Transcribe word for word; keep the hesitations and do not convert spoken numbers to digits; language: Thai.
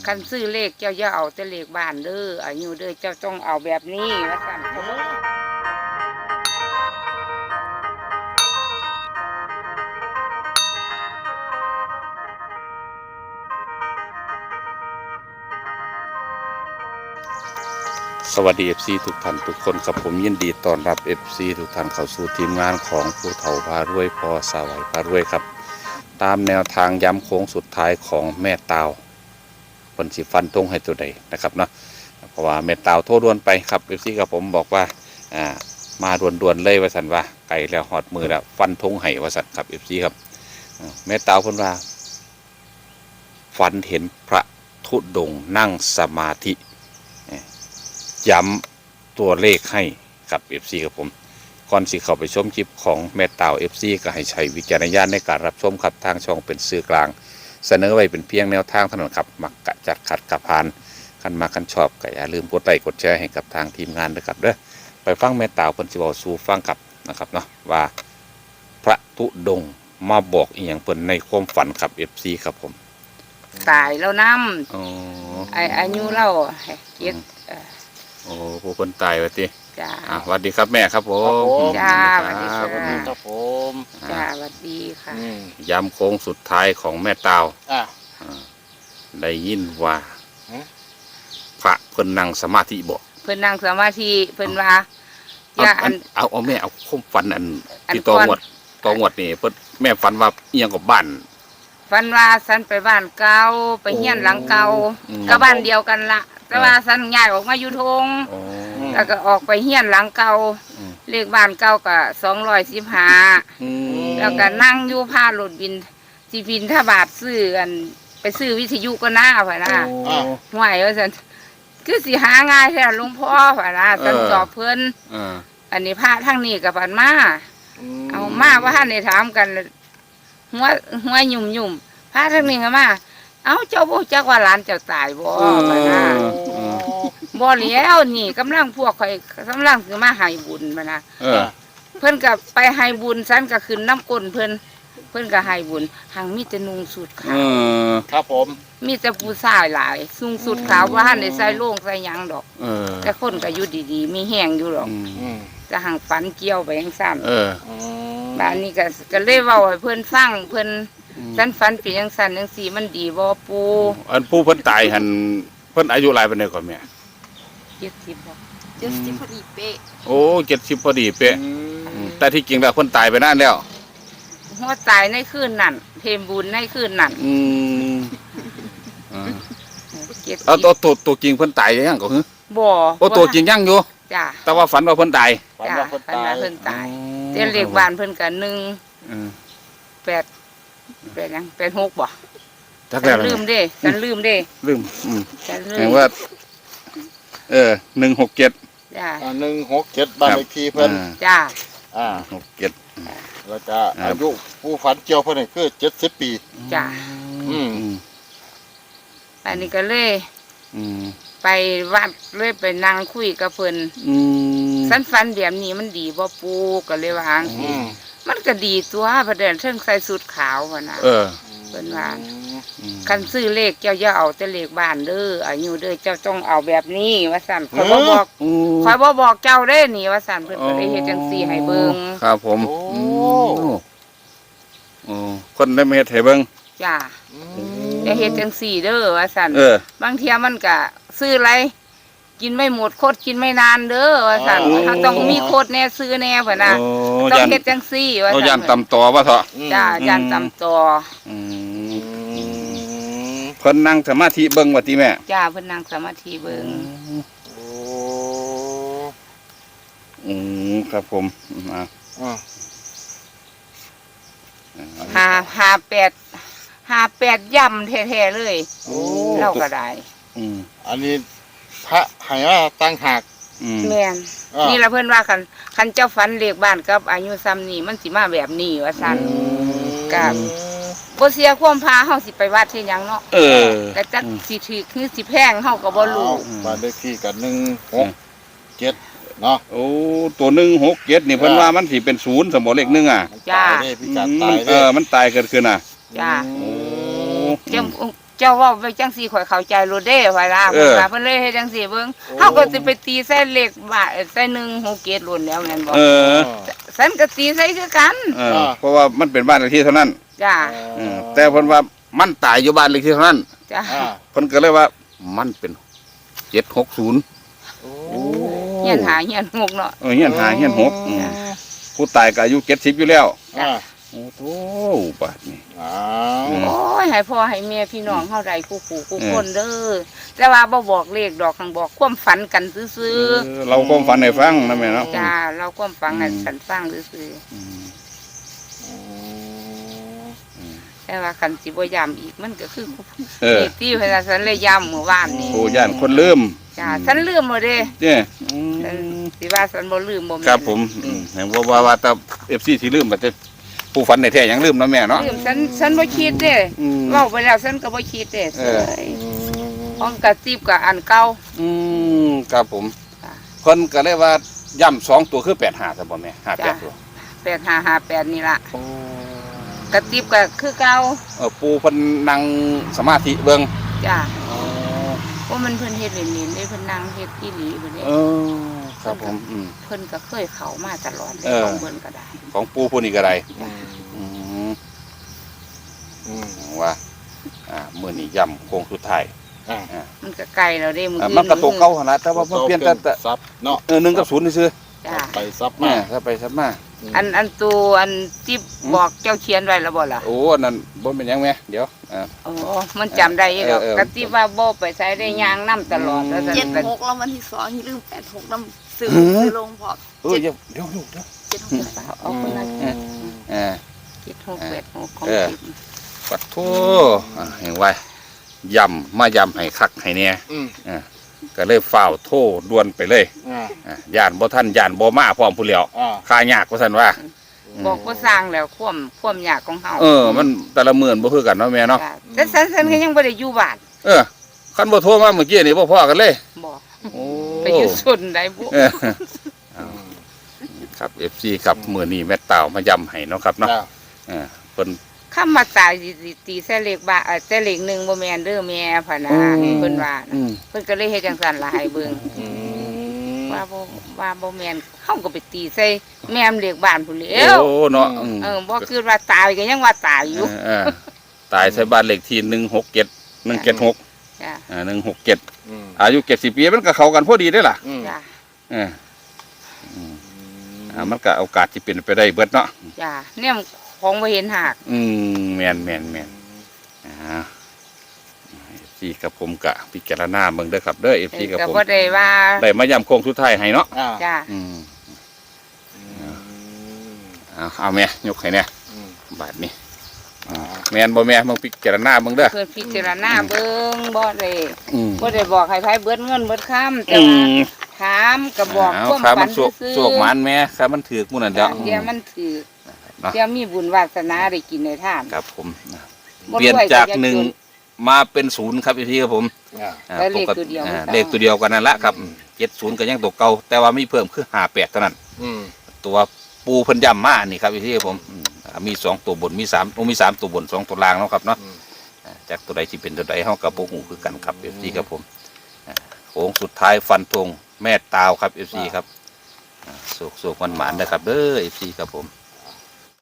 คันซื้อเลขเจ้าอย่าเอาแต่เลขบ้านเด้ออายุเด้อเจ้าต้องเอาแบบนี้ว่าซั่นสวัสดี เอฟ ซี ทุกท่านทุกคนครับผมยินดีต้อนรับ เอฟ ซี ทุกท่านเข้าสู่ทีมงานของผู้เฒ่าพารวยพอสาวัยพารวยครับตามแนวทางย้ำโค้งสุดท้ายของแม่ตาวคนสิฟันทงให้ตัวใดนะครับเนาะเพราะว่าแม่ตาวโทษด่วนไปครับ เอฟ ซี กับผมบอกว่าอ่ามาด่วนๆเลยว่าสันว่าไก่แล้วหอดมือแล้วฟันทงให้ว่าสันครับ เอฟ ซี ครับแม่ตาวคนว่าฝันเห็นพระธุดงค์นั่งสมาธิย้ำตัวเลขให้กับ เอฟ ซี ครับผมก่อนสิเข้าไปชมคลิปของแม่ตาว เอฟ ซี ก็ให้ใช้วิจารณญาณในการรับชมครับทางช่องเป็นสื่อกลางเสนอไว้เป็นเพียงแนวทางเท่านั้นครับมักกะจัดขัดกับพานคันมาคันชอบก็อย่าลืมกดไลค์กดแชร์ให้กับทางทีมงานด้วยครับเด้อไปฟังแม่ตาวเพิ่นสิเว้าสู่ฟังครับนะครับเนาะว่าพระธุดงค์มาบอกอีหยังเพิ่นในความฝันครับ เอฟ ซี ครับผมตายแล้วนำอ๋อไอ้อายุเราเจ็ดโอ้ผู้คนตายไปทีจ้าสวัสดีครับแม่ครับผมจ้าสวัสดีครับผมจ้าสวัสดีค่ะย้ำโค้งสุดท้ายของแม่ตาวอ่าได้ยินว่าพระเพิ่นนั่งสมาธิบอกเพิ่นนั่งสมาธิเพิ่นว่าอย่าอันเอาเอาแม่เอาคุ้มฝันอันที่ตองวดตองวดนี่เพิ่นแม่ฝันว่าเอียงกับบ้านฝันว่าฉันไปบ้านเก่าไปเฮียนหลังเก่าก็บ้านเดียวกันละแต่ว่าฉันย้ายออกมาอยู่ทงแล้วก็ออกไปเฮียนหลังเก่าเลขบ้านเก่าก็สองร้อยสิบห้าแล้วก็นั่งอยู่พารถบินจีบินถ้าบาทซื้อกันไปซื้อวิทยุก็น่าผ่ะนะห่วยว่าฉันคือสิหาง่ายแท้หลวงพ่อผ่ะนะฉันสอบเพิ่นอันนี้พระทั้งนี้กับปันมาเอามาว่าท่านได้ถามกันหัวหัวหยุ่มหยุ่มพระทั้งนี้ก็มาเอ้าเจ้าบ่จักว่าหลานเจ้าตายบ่ผ่ะนะบ่แล้วนี่กำลังพวกข่อยกำลังคือมาให้บุญผ่ะนะเพิ่นก็ไปให้บุญฉันก็ขึ้นน้ำก้นเพิ่นเพิ่นก็ให้บุญหังมีแต่นุ่งสุดขาวครับผมมีแต่ผู้ชายหลายนุ่งสุดขาวว่าท่านได้ใส่โล่งใส่หยังดอกแต่คนก็อยู่ดีๆมีแห้งอยู่หรอกจะหังฝันเกี่ยวไปยังสั่นบ้านนี้ก็ก็เลยเว้าให้เพิ่นฟังเพิ่นฉันฝันเป็นยังสั่นยังสีมันดีบ่ปูอันผู้เพิ่นตายหันเพิ่นอายุหลายปานใดก่อนแม่เจ็ดสิบบ่เจ็ดสิบพอดีเป๊ะโอ้เจ็ดสิบพอดีเป๊ะแต่ที่จริงแล้วเพิ่นตายไปนานแล้วหัวตายในคืนนั้นเพมบุญในคืนนั้นอืมเอาตัวตัวตัวจริงเพิ่นตายยังก็คือบ่โอ้ตัวจริงยังอยู่จ้ะแต่ว่าฝันว่าเพิ่นตายฝันว่าเพิ่นตายเพิ่นตายเจ้าเลขบ้านเพิ่นก็หนึ่งแปดแปดยังแปดหกบ่จักแล้วลืมเด้ฉันลืมเด้ลืมอืมแปลว่าเออหนึ่งหกเจ็ดจ้ะหนึ่งหกเจ็ดบ้านเลขที่เพิ่นจ้ะอ่าหกเจ็ดแล้วจะอายุผู้ฝันเกี่ยวเพิ่นนี่คือเจ็ดสิบปีจ้ะอืมอันนี้ก็เลยไปวัดเลยไปนั่งคุยกับเพิ่นสันฟันแบบนี้มันดีบ่ปูก็เลยวางมันก็ดีตัวประเดี๋ยวเชิงใส่สูทขาวพ่ะนะเออเพิ่นว่าคันซื้อเลขเจ้าอย่าเอาแต่เลขบ้านเด้ออายุเด้อเจ้าต้องเอาแบบนี้ว่าซั่นข่อยบ่บอกข่อยบ่บอกเจ้าเด้นี่ว่าซั่นเพิ่นก็ได้เฮ็ดจังซี่ให้เบิ่งครับผมโอ้โอ้คนได้มาเฮ็ดให้เบิ่งจ้าจะเฮ็ดจังซี่เด้อว่าซั่นบางเที่ยมันก็ซื้ออะไรกินไม่หมดโคตรกินไม่นานเด้อว่าซั่นถ้าต้องมีโคตรแน่ซื้อแน่พ่นน่ะต้องเฮ็ดจังซี่ว่าซั่นเอาย่านตำต่อว่าเถาะจ้าย่านตำต่อเพิ่นนั่งสมาธิเบิ่งว่าติแม่จ้าเพิ่นนั่งสมาธิเบิ่งโอ้อืมครับผมอ่าห้าห้าแปดห้าแปดย่ำแท้ๆเลยเราก็ได้อืมอันนี้พระให้ว่าตั้งหากแม่นนี่ละเพิ่นว่าคันคันเจ้าฝันเลขบ้านกับอายุซ้ำนี่มันสิมาแบบนี้ว่าซั่นกับบ่เสียความพาเฮาสิไปวัดเฮ็ดหยังเนาะเออก็จักสิถือคือสิแพงเฮาก็บ่รู้บ้านเลขที่ก็หนึ่งหกเจ็ดเนาะโอ้ตัวหนึ่งหกเจ็ดนี่เพิ่นว่ามันสิเป็นศูนย์สมบ่เลขหนึ่งอ่ะจ้าเออมันตายเกิดขึ้นน่ะจ้าโอ้เจ้าเจ้าเว่าไปจังสี่ข่อยเข้าใจโลดเด้ไว้ล่ะเอเพิ่นอว่าเพิ่นเลยเฮ็ดจังสี่เบิ่งเฮาก็สิไปตีใส่เลขบาทใส่หนึ่งหกเจ็ดโลดแล้วแม่นบ่เออฉันก็ตีใส่คือกันเออเพราะว่ามันเป็นบ้านเลขที่เท่านั้นจ้าเออแต่เพิ่นว่ามันตายอยู่บ้านเลขที่เท่านั้นจ้าอ่าเพิ่นก็เลยว่ามันเป็นเจ็ดหกศูนย์โอ้เฮียนหาเฮียนหกเนาะเออเฮียนหาเฮียนหกอืมผู้ตายก็อายุเจ็ดสิบอยู่แล้วอ่าโอ้โหบาดนี้อ้าอืวมโอ้ยให้พ่อให้แม่พี่น้องเฮาได้คู่คู่คู่คนเด้อแต่ว่าบ่บอกเลขดอกทางบอกความฝันกันซื่อเออเราความฝันให้ฟังนะแม่เนาะๆจ้าเราความฝันให้อืมกันฟังซื่ออืมๆแต่ว่าคันสิบ่ย้ำอีกมันก็คือเออเลขที่เพิ่นว่าฉันเลยย้ำเมื่อวานนี้ผู้ย่านคนลืมจ้าฉันลืมหมดเด้เนี่ยอืฉันมสิว่าฉันบ่ลืมบ่แม่นครับผมอืมเห็นว่าว่าว่าแต่เอฟซีที่ลืมแต่ผู้ฝันในแท้ยังลืมนะแม่เนาะลืมฉันฉันบ่คิดเด้อืมเว้าไปแล้วฉันก็บ่คิดเด้เออเอ้ยของกระติบกับอันเก่าอืมครับผมจ้ะเพิ่นก็เลยว่าย่ำสองตัวคือแปดห้าใช่บ่แม่ห้าแปดตัวแปดห้าห้าแปดนี่ล่ะกระติบก็คือเก่าเออปูเพิ่นนั่งสมาธิเบิ่งจ้าเพราะมันเพิ่นเฮ็ดเล่นๆได้เพิ่นนั่งเฮ็ดอีหลีเพิ่นเด้เออครับผมอืมเพิ่นก็เคยเข้ามาตลอดเลยเออของเพิ่นก็ได้ของปูผู้นี้ก็ได้อืมอืมอืมว่าอ่ามื้อนี้ย่ำโค้งสุดท้ายอ่ามันก็ไกลแล้วเด้มื้ออ่าอื่มันก็ตกเก่าหั่นล่ะแต่ว่ามันเปลี่ยนแต่แต่ซับเนาะเออหนึ่งกับศูนย์ซื่อจ้าไปซับๆมาแม่ถ้าไปซับมาอันอันตัวอันที่บอกเจ้าเขียนไว้แล้วบ่ล่ะโอ้อันนั้นบ่เป็นหยังแม่เดี๋ยวอ่าโอ้มันจำได้อีกดอกเออเออกระติบว่าบ่ไปใช้ได้ยางนํตลอดแล้วเจ็ดก็หกแล้ววันที่สองอย่าลืมแปดหกน้ำซื้อหือซื้อลงพอเออเดี๋ยวเดี๋ยวลูกเดี๋ยวเจ็ดหกแปดเอาคนละอืม อ่าเจ็ดหกแปดหกของเออติบปัดโทอ่าเห็นไว้ย่ำมาย่ำให้คักให้เนี่ยอืมอ่าก็เลยฝ้าวโทด่วนไปเลยอ่าอ่าย่านบ่ท่านย่านบ่มาพร้อมผู้เลียวอ่าค่ายากว่าซั่นว่าบอกว่าสร้างแล้วความความยากของเฮาเออ มันแต่ละมื้อบ่คือกันเนาะแม่เนาะจ้ะแต่ฉันฉันก็ยังบ่ได้อยู่บ้านเออคันบ่โทรมาเมื่อกี้นี่บ่พอกันเลยบอกโอ้ไปอยู่ส่วนใดบุเออเอาครับ เอฟ ซี ครับมื้อนี้แม่เต่ามาย่ำให้เนาะครับเนาะจ้าเออเพิ่นคำมาตายสิสิตีแซ่เลขบ้าเอ่อแซ่เลขหนึ่งบ่แม่นเด้อแม่พะนะอืมเพิ่นว่าอืมเพิ่นก็เลยเฮ็ดจังซั่นล่ะให้เบิ่งอืมว่าบ่ว่าบ่แม่นเฮาก็ไปตีใส่แม่มเลขบ้านพุ่นแหล้วโอ้เนาะอืมเออบ่คือว่าตายก็ยังว่าตายอยู่เออตายใส่บ้านเลขที่หนึ่งหกเจ็ดหนึ่งเจ็ดหกจ้ะอ่าหนึ่งหกเจ็ดอืมอายุเจ็ดสิบปีมันก็เข้ากันพอดีได้อล่ะอืมจ้ะเอออืมอ่ามันก็โอกาสที่เป็นไปได้เบิดเนาะจ้ะเนี่ยของบ่เห็นหากอืมแม่นแม่นแม่นอ่าซีกับผมกะพิจารณาเบิ่งเด้อครับเด้อเอฟเอซีอกับก็ผมบ่ได้ว่าได้มาย้ำโค้งสุดท้ายให้เนาะอ่าจ้ะอืมอืมเอาเอาแม่ยกให้เนี่ยอืมบาทนี้อ่าแม่นบ่แม่มึงพิจารณาเบิ่งเด้อเพิ่นพิจารณาเบิ่งบ่ได้อืมบ่ได้บอกให้ไผเบิดเงินเบิดคำแต่อืว่าม ถามก็บอกเอาความครับฝัมัน นสวกซื่อสวกหมันแม่ครับมันถือกหมู่นั่นเด้อเดี๋ยวมันถือเนาะเดี๋ยวมีบุญวาสนาได้กินในท่านครับผมบ่เปลี่ยนรวยจากก็อย่หนึ่งจมาเป็นศูนย์ครับพี่ครับผมอ่าอ่าแล้วเลขปกตัวเดียวอ่าไม่ต้องเลขตัวเดียวกันนั่นละครับเจ็ดศูนย์ก็ยังตัวเก่าแต่ว่ามีเพิ่มคือห้าแปดเท่านั้นอืมตัวปูเพิ่นย่ำมานี่ครับพี่ครับผมอืมอ่ามีสองตัวบนมีสามโอ้มีสามตัวบนสองตัวล่างเนาะครับเนาะอืมอ่าจากตัวใดที่เป็นตัวใดเฮากับโปหูคือกันครับเอฟซีครับผมอ่าโค้งสุดท้ายฟันธงแม่ตาวครับเอฟซีครับสุกสุกมันหมานๆนะครับเด้อเอฟซีครับผม